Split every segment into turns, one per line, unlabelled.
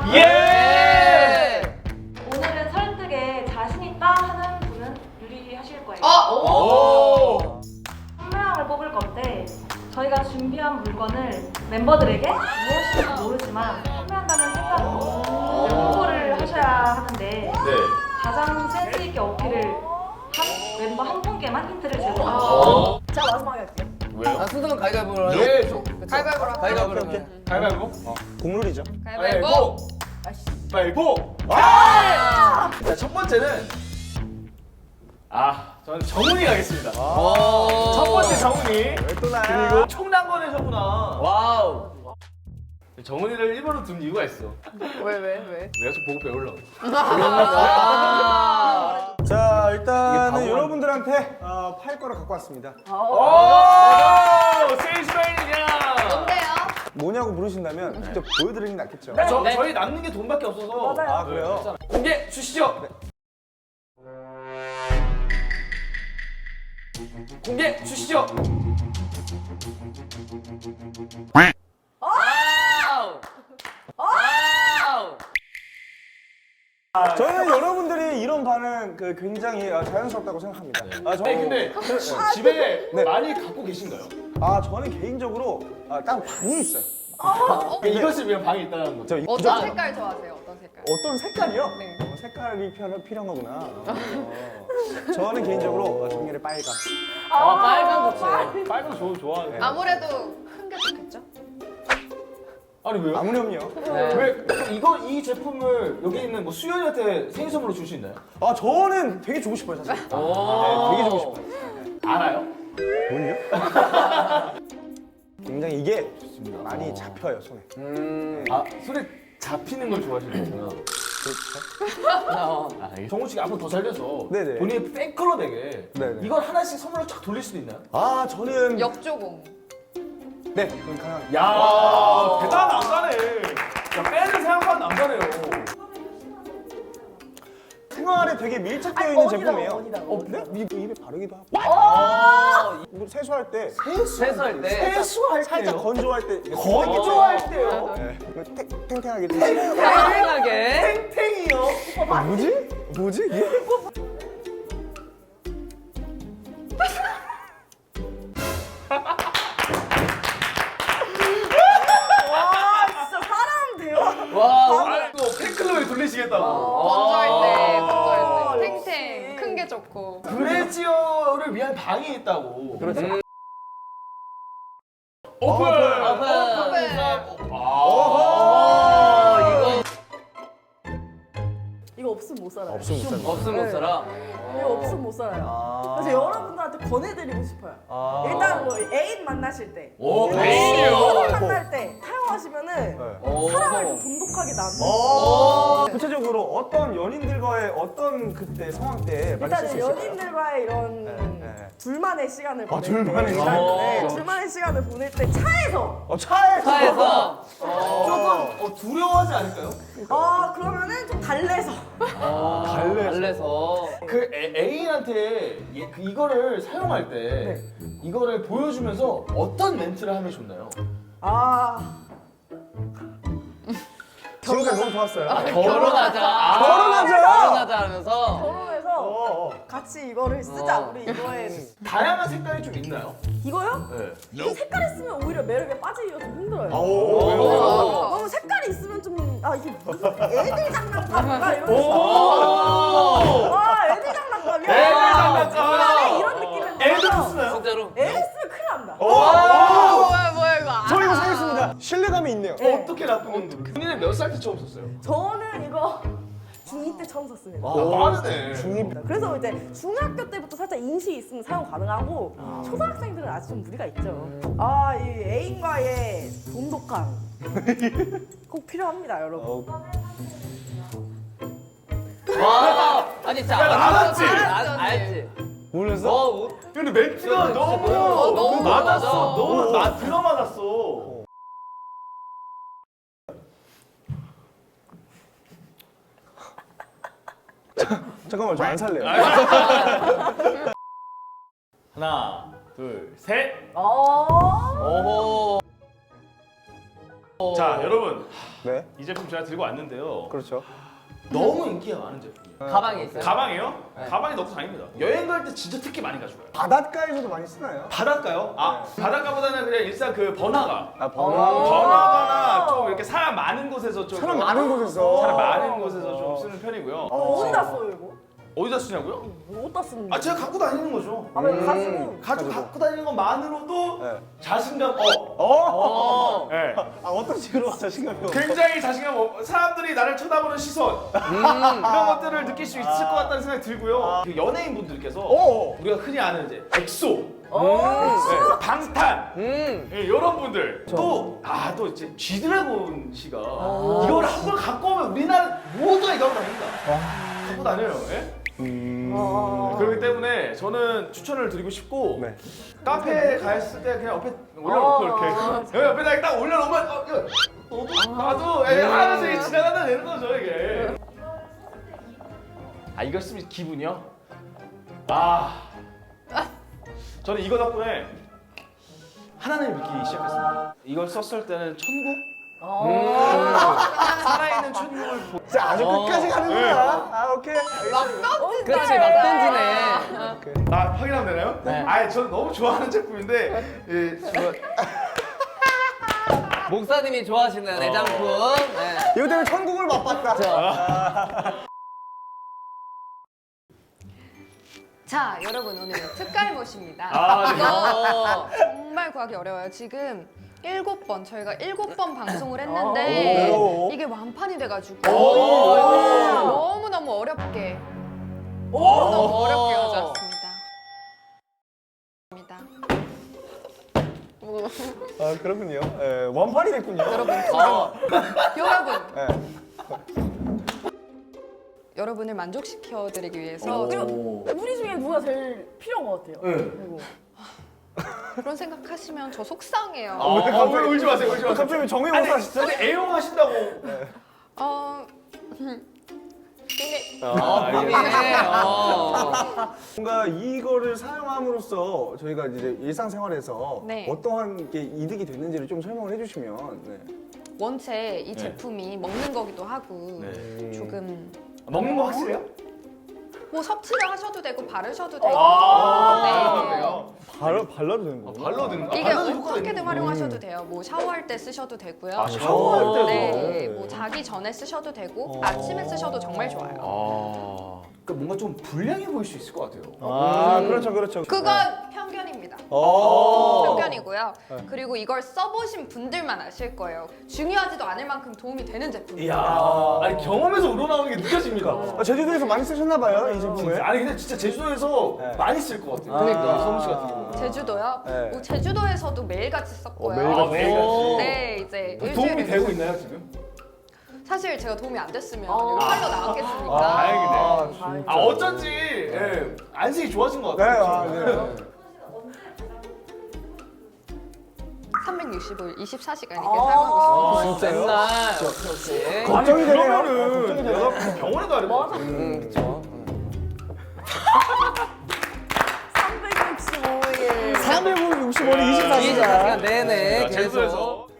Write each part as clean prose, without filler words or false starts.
예!
오늘은 설득에 자신 있다 하는 분은 유리하실 거예요.
오!
한 명을 뽑을 건데 저희가 준비한 물건을 멤버들에게 무엇인지 모르지만 판매한다는 생각으로 홍보를 하셔야 하는데
네.
가장 센스 있게 어필을 한 멤버 한 분께만 힌트를 제공합니다.
자 마지막에 할게요.
왜요?
순서는 가위바위보로 하죠?
네,
가위바위보로 가위바위보로 하죠.
가위바위보?
국룰이죠.
가위바위보.
가위바위보! 자, 첫 번째는 저는 정훈이 가겠습니다. 첫 번째 정훈이.
또 나야?
그리고 총난거네서구나.
와우.
정훈이를 일본으로 둔 이유가 있어.
왜?
내가 좀 보고 배우려고.
자, 일단은 여러분들한테 팔 거를 갖고 왔습니다.
오! 세이스마일이야!
뭔데요?
뭐냐고 물으신다면 직접 보여드리는 게 낫겠죠.
저희 남는 게 돈밖에 없어서.
맞아요.
아, 그래요?
공개 주시죠. 공개 주시죠.
저는 여러분들이 이런 반응 굉장히 자연스럽다고 생각합니다.
아니 근데 집에
네.
많이 갖고 계신가요?
저는 개인적으로 따로 방이 있어요.
이것을 위한 방이 있다는 거죠.
어떤 색깔 좋아하세요? 어떤 색깔?
어떤 색깔이요?
네.
색깔이 필요한 거구나. 저는 개인적으로 정렬의 빨강.
빨간 좋죠.
빨간 좋아하네.
아무래도 큰 게 좋겠죠?
아니 왜요?
아무렴요.
왜 이 제품을 여기 있는 뭐 수연이한테 생일 선물로 줄 수 있나요?
저는 되게 주고 싶어요, 사실. 되게 주고 싶어요.
알아요?
뭘요? 굉장히 이게 많이 잡혀요, 손에.
손에 잡히는 걸 좋아하시는구나. 정훈 씨가 앞으로 더 잘 돼서
네네.
본인의 팬클럽에게
네네.
이걸 하나씩 선물로 쫙 돌릴 수도 있나요?
저는
역조공.
네, 그건 가능합니다.
야 대단한 남자네. 야 빼는 생각보다 남자네요.
생활에 되게 밀착되어 있는
어디다가,
제품이에요.
어디다가,
네? 입에 바르기도 하고. 뭐 세수할 때
세수할 때.
세수할
살짝
때요?
건조할 때
건조할 때요?
네. 탱탱하게 좀.
편하게.
탱탱이요?
뭐지? 이게?
진짜 사람 돼요.
아니 또 팬클럽에 돌리시겠다고.
건조할 때. 탱탱. 큰 게 좋고.
브레지어를 위한 방이 있다고.
그렇죠.
오픈!
이거 없으면 못 살아요.
없으면 못 살아.
없으면 못 살아.
이거 없으면 못 살아요. 그래서 여러분들한테 권해드리고 싶어요. 일단 뭐 애인 만나실 때,
오,
애인 만날 때 사용하시면은 사랑을 좀 돈독하게 나누고.
구체적으로 어떤 연인들과의 어떤 그때 상황 때 많이 쓸 수
일단은
있을까요?
연인들과의 이런
네.
둘만의 시간을 보낼
둘만의
때,
시간?
둘만의 시간을 보낼 때 차에서
차에서.
조금 두려워하지 않을까요?
그러면은 좀 달래서
달래서.
그 애인한테 이거를 사용할 때 이거를 보여주면서 어떤 멘트를 하면 좋나요?
지금까지 너무 좋았어요.
결혼하자. 결혼하자 하면서.
결혼해서 같이 이거를 쓰자. 우리 이거에
다양한 색깔이 좀 있나요?
이거요?
네.
이 색깔 있으면 오히려 매력에 빠지기가 좀 힘들어요.
왜요?
너무 색깔이 있으면 좀 이게 무슨 애들 장난감인가 이런
오!
애들 장난감이야.
애들 장난감.
장난감이야. 이런 느낌을
애들
받아서
쓰나요?
진짜로.
애들 쓰면 큰일 납니다.
뭐야 이거.
저 이거 사겠습니다. 신뢰감이 있네요.
어떻게 나쁜 건데? 본인은 몇 살 때 처음 썼어요?
저는 이거 중2 때 처음 샀습니다.
빠르네.
그래서 이제 중학교 때부터 살짝 인식이 있으면 사용 가능하고 초등학생들은 아직 좀 무리가 있죠. 이 애인과의 돈독함 꼭 필요합니다, 여러분.
아니 진짜
알았지?
알지.
몰랐어?
근데 멘트가 너무
너무
맞았어.
맞아.
너무 들어맞았어.
잠깐만, 저 안 살래요.
하나, 둘, 셋.
오호.
자 여러분
네.
이 제품 제가 들고 왔는데요.
그렇죠.
너무 인기가 많은 제품이에요.
가방에 있어요?
가방이요?
네.
가방에 넣고 다닙니다. 여행 갈 때 진짜 특히 많이 가져가요.
바닷가에서도 많이 쓰나요?
바닷가요? 아 바닷가보다는 그냥 일단 그 번화가.
아,
번화가나 좀 이렇게 사람 많은 곳에서 좀
사람 많은 곳에서.
사람 많은 곳에서 좀 쓰는 편이고요.
어디다 써요 이거?
어디다 쓰냐고요?
어디다 쓰는
아 제가 갖고 다니는 거죠.
아, 왜 가지고?
갖고 다니는 것만으로도
네.
자신감 네.
아, 어떤 식으로 자신감이
굉장히 자신감 사람들이 나를 쳐다보는 시선 이런 것들을 느낄 수 있을 것 같다는 생각이 들고요. 그 연예인 분들께서 우리가 흔히 아는 이제 엑소, 네, 방탄 네, 이런 분들 또 이제 G드래곤 씨가 이걸 한 번 갖고 오면 우리나라 모두가 이거 갖고 다닙니다. 갖고 다녀요. 예? 그렇기 때문에 저는 추천을 드리고 싶고
네.
카페에 갔을 때 그냥 옆에 올려놓고 이렇게 여기 옆에다 딱 올려놓으면 나도 하면서 이게 지나간다 되는 거죠 이게. 아 이걸 쓰면 기분이요? 저는 이거 덕분에 하나님을 믿기 시작했습니다. 이걸 썼을 때는 천국? 살아있는 천국을
자, 아주 끝까지 가는구나. 아, 오케이.
그렇지, 막 던지네.
확인하면 되나요?
네.
저는 너무 좋아하는 제품인데
목사님이 좋아하시는 애장품. 네.
이거 때문에 천국을 맛봤다.
자, 여러분 오늘 특갈못입니다.
네.
이거 정말 구하기 어려워요. 지금 7번 저희가 7번 방송을 했는데
오.
이게 완판이 돼가지고 너무너무 어렵게 너무 어렵게 가져왔습니다.
아, 그렇군요. 예, 원판이 됐군요.
여러분 여러분을 만족시켜드리기 위해서
우리 중에 누가 제일 필요한 것 같아요? 이거.
그런 생각하시면 저 속상해요.
울지 마세요 울지 마세요.
갑자기 정의원사 하시죠?
근데 애용하신다고
근데
뭔가 이거를 사용함으로써 저희가 이제 일상생활에서
네.
어떠한 게 이득이 됐는지를 좀 설명을 해주시면. 네.
원체 이 제품이 먹는 거기도 하고
네.
조금
먹는 거 확실해요?
뭐 섭취를 하셔도 되고 바르셔도 되고
그래요?
발라도 되는 거예요?
발로 드는 거?
이게 어떻게든 활용하셔도 돼요. 뭐 샤워할 때 쓰셔도 되고요.
샤워할 때도?
네, 뭐 자기 전에 쓰셔도 되고 아침에 쓰셔도 정말 좋아요.
그러니까 뭔가 좀 불량해 보일 수 있을 것 같아요.
아, 그렇죠, 그렇죠.
그건 편견입니다. 편견이고요. 그리고 이걸 써보신 분들만 아실 거예요. 중요하지도 않을 만큼 도움이 되는 제품이에요.
이야, 아니 경험에서 우러나오는 게 느껴집니다.
아, 제주도에서 많이 쓰셨나봐요, 이 제품을.
아니 근데 진짜 제주도에서
네.
많이 쓸 것 같아요.
그러니까.
성우 씨 같은 경우.
제주도요?
네.
뭐 제주도에서도 매일같이 썼고요.
매일같이.
매일같이.
네, 이제
도움이
일주일에
되고 있나요 지금?
사실 제가 도움이 안 됐으면 이거 팔러 나갔겠습니까?
다행이네요.
진짜.
어쩐지 예, 안색이 좋아진 것
네,
같아요.
아, 네.
365일 24시간 이렇게 사용하고 있습니다.
진짜요?
맨날. 오케이.
걱정이 되네요.
그러면은
걱정이 되네요.
내가 병원에 가야 될것 같아.
그쵸.
365일.
365일
24시간
24시간.
내내 계속.
제주도에서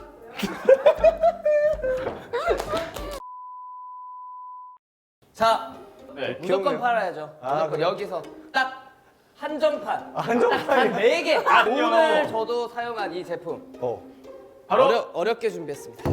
자,
네.
무조건
귀엽네요.
팔아야죠.
아,
무조건
그래요?
여기서 딱 한정판.
한정판이.
한 4개.
아니요.
오늘 저도 사용한 이 제품.
바로
어렵게 준비했습니다.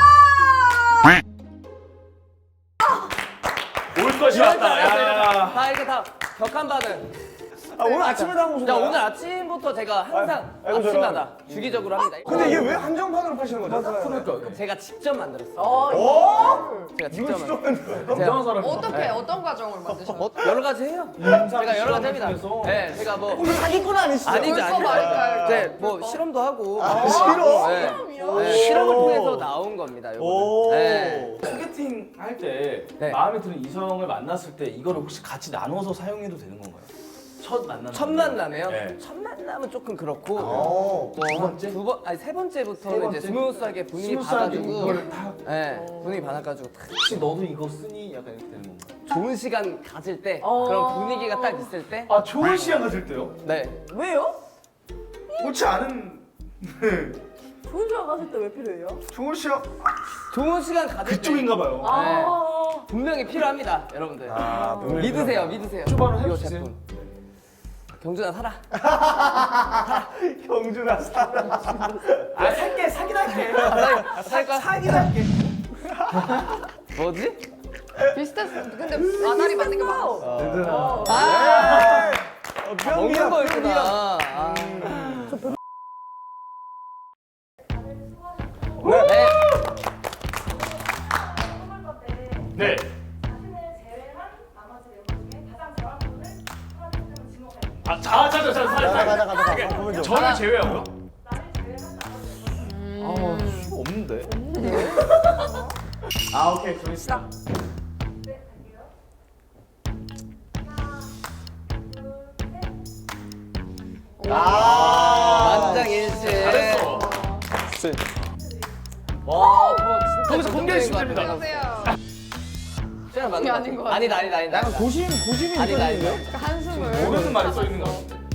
올 것이 왔다. 야.
다 이렇게 다 격한 반응.
아, 오늘 아침에 나온
자,
거죠?
오늘 아침부터 제가 항상
아이고,
아침마다 주기적으로 합니다.
근데 이게 왜 한정판으로 파시는 거죠?
그러니까
제가 직접 만들었어요.
오!
제가 직접 만들었어요.
건강한 사람이.
어떻게 어떤 과정을 만드셨나요?
여러 가지 해요. 제가 여러 가지 합니다. 네, 제가 뭐
이거 사기꾼 아니시죠?
아니죠,
벌써
아니죠.
말까요?
네, 뭐 실험도 하고.
실험?
네. 네, 실험을 통해서 나온 겁니다.
오.
요거는. 네.
소개팅 할 때
네.
마음에 드는 이성을 만났을 때 이거를 혹시 같이 나눠서 사용해도 되는 건가요? 첫 만남.
첫 만남에요?
네.
첫 만남은 조금 그렇고.
두 번째?
세 번째부터는
세 번째?
이제 스무스하게 분위기
스무스하게
받아주고.
이거를 딱
네, 분위기 받아가지고 탁
혹시 너도 이거 쓰니? 약간 이렇게 되는 건가요?
좋은 시간 가질 때 그런 분위기가 딱 있을 때.
아 좋은 시간 가질 때요?
네.
왜요?
좋지 않은
좋은 시간 가실 때 왜 필요해요?
좋은 시간.
좋은 시간 가질 때
그쪽인가 봐요.
아,
분명히 필요합니다, 여러분들.
아, 분명히
믿으세요.
주방을
이거
해주세요.
제품. 경준아 살아.
경준아 사랑.
아 살게 사긴 할게.
살까?
사긴 할게.
뭐지?
비슷했어. 근데 나날이 맞는 게 많았어.
아, 먹는
병이야.
거였구나. 아.
네.
선물 건데
네.
자신을 제외한 나머지 멤버 중에 가장 잘하는 분을 하나님께서 지목할게요.
아 가자.
보면 좀.
저를 제외하고요?
나를 제외한 나머지 멤버 중에
수가 없는데. 아 오케이 정했어.
네, 갈게요. 하나, 둘, 셋.
만장일치.
잘했어.
와, 뭐 진짜
거기서 공개해 주시면
정도인 것 같아.
됩니다.
안녕하세요.
시간 맞는 거
아닌 것
같아. 아니다.
약간 고심이
아니다.
있었는데.
한숨을.
모르는 말이 써 있는 거 같은데.